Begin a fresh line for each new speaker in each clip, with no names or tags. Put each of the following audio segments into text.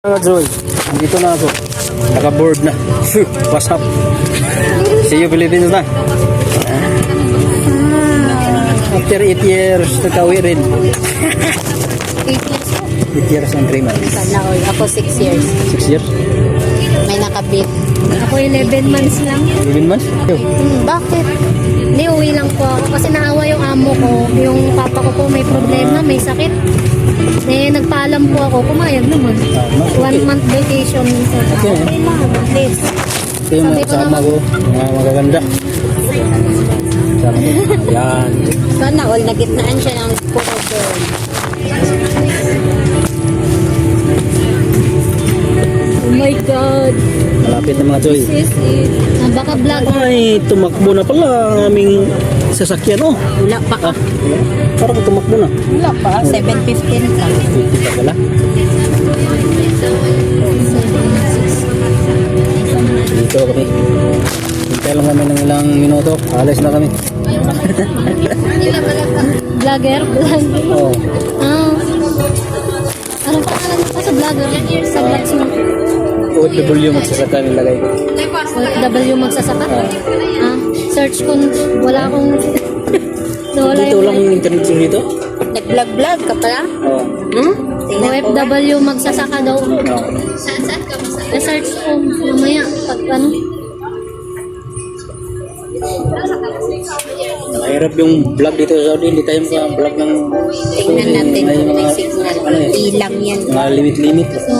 Mga Joy, dito na ako. Naka-board na. Phew, what's up? See you Philippines na. After 8 years, nagkawi rin.
8 years po.
8 years and 3 months.
Sana all. Ako 6 years.
6 years?
May nakabit. Ako 11 months lang.
11 months? Yo.
Bakit? Hindi, uwi lang po ako. Kasi naawa yung amo ko. Yung papa ko po may problema, may sakit. Eh, nagpaalam po ako. Pumayag naman.
Okay.
1 month vacation.
Okay.
Okay lang. At least.
Ito yung mga kasama ko. Mga magaganda. Kasama ko. Ayan.
Sana all. Nagitnaan siya ng puro girl. Oh my God.
Malapit na mga Joy.
This is it. Baka vlog.
Ay, tumakbo na pala ang aming sasakyan. Oh.
Wala pa.
Ah, parang tumakbo na.
Wala pa. 7:15 lang.
50 pa pala. Dito kami. Hintay lang kami ng ilang minuto. Alis na kami.
Vlogger? Vlogger?
Oh.
Ah. Anong pangalan mo sa vlogger? Sa vlogs mo?
OFW magsasaka nilagay ko.
W magsasaka? Ah. Search kung wala akong... Wala
Dito lang yung internet sim dito?
Nag-vlog-vlog ka pala?
Oo.
Hmm? OFW magsasaka daw.
Oh.
Saan ka masaya? Na-search ko mamaya. Pag ano?
Mahirap yung vlog dito sa Saudi. Hindi tayo maka-vlog ng...
Tingnan natin
May
kung may
mga-
signal.
ano eh,
Ilang yan.
mga limit-limit.
So,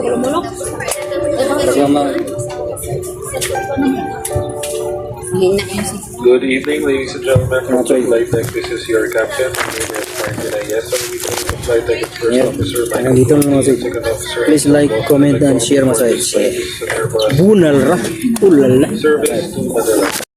Talaga mga...
hina yung signal.
Good evening, ladies and gentlemen. From Flight Deck, this is your captain. My name is Martin Ayes. I'm leading the Flight Deck and First
Yeah.
Officer. My
Hanggang dito lang mga Joy.
Second Officer.
Please like, comment, and share masayos.
Service to Airbus.
Bunal ra. Ulala.
Service to Manila.